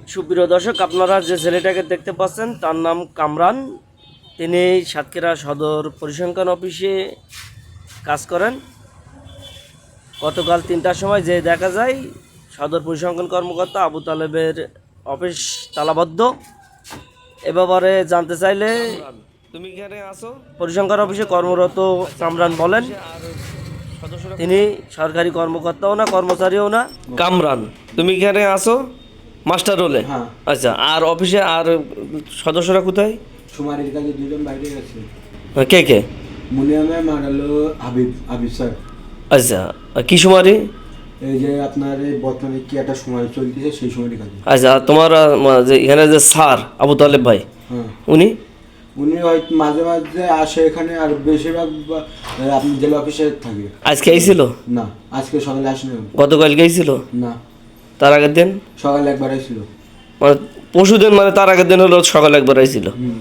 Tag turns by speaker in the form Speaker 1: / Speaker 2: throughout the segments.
Speaker 1: সুপ্রিয় দর্শক, আপনারা যে ছেলেটাকে দেখতে পাচ্ছেন তার নাম কামরান। তিনি সাতক্ষীরা সদর পরিসংখ্যান অফিসে কাজ করেন। গতকাল 3টার সময় যে দেখা যায় সদর পরিসংখ্যান কর্মকর্তা আবু তালেবের অফিস তালাবদ্ধ। এ ব্যাপারে জানতে চাইলে তুমি এখানে আসো পরিসংখ্যান অফিসে কর্মরত কামরান বলেন তিনি সরকারি কর্মকর্তাও না কর্মচারীও না। কামরান, তুমি এখানে আসো মাস্টার রোলে?
Speaker 2: হ্যাঁ।
Speaker 1: আচ্ছা, আর অফিসে আর সদস্যরা কোথায়?
Speaker 2: সুমারির কাছে দুজন বাইরে গেছে।
Speaker 1: কে কে?
Speaker 2: মুনিয়ামে মারালো হাবিব স্যার।
Speaker 1: আচ্ছা, কি সুমারি?
Speaker 2: এই যে আপনার এই বর্তমানে কি একটা সময় চলতেছে সেই সময়টি কাজে।
Speaker 1: আচ্ছা, আর তোমার যে এখানে যে স্যার আবু তালেব ভাই,
Speaker 2: হ্যাঁ,
Speaker 1: উনি
Speaker 2: হয়তো মাঝে মাঝে আসে এখানে, আর বেশিরভাগ আপনি জেলা অফিসে থাকে।
Speaker 1: আজকে আইছিল?
Speaker 2: না, আজকে সকালে আসেনি।
Speaker 1: গতকাল গেছিল?
Speaker 2: না,
Speaker 1: তার আগের দিন?
Speaker 2: সকালে একবার আসছিল।
Speaker 1: মানে পরশু দিন, মানে তার আগের দিন হলো সকালে একবার আইছিল।
Speaker 2: হুম,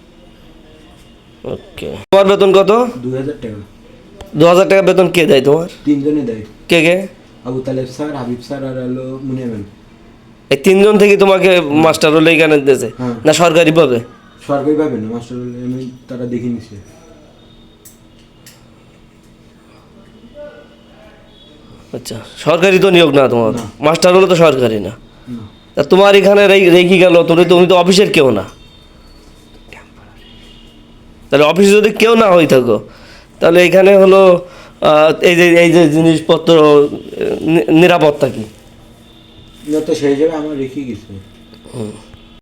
Speaker 1: ওকে। তোমার বেতন কত?
Speaker 2: 2000 টাকা।
Speaker 1: 2000 টাকা বেতন কে দেয় তোমার?
Speaker 2: তিনজনে দেয়।
Speaker 1: কে কে?
Speaker 2: আবু তালেব স্যার, হাবিব স্যার আর হলো মুনিয়ামেন।
Speaker 1: এই তিনজন থেকে তোমাকে মাস্টার রোলে এখানে দিয়েছে?
Speaker 2: হ্যাঁ।
Speaker 1: না সরকারি পাবে?
Speaker 2: সরকারি পাবে না, মাস্টার আমি তারা দেখে নিচ্ছে।
Speaker 1: আচ্ছা, সরকারি তো নিয়োগ না তোমার?
Speaker 2: না।
Speaker 1: মাস্টার হলে তো সরকারি না।
Speaker 2: না,
Speaker 1: তা তোমার এখানে রেখে গেল, তুমি তো অফিসের কেউ না। তাহলে অফিসে যদি কেউ না হয়ে থাকো, তাহলে এখানে হলো এই যে জিনিসপত্র নিরাপত্তা কি?
Speaker 2: তো সেই হিসেবে আমার রেখে গেছে।
Speaker 1: হুম।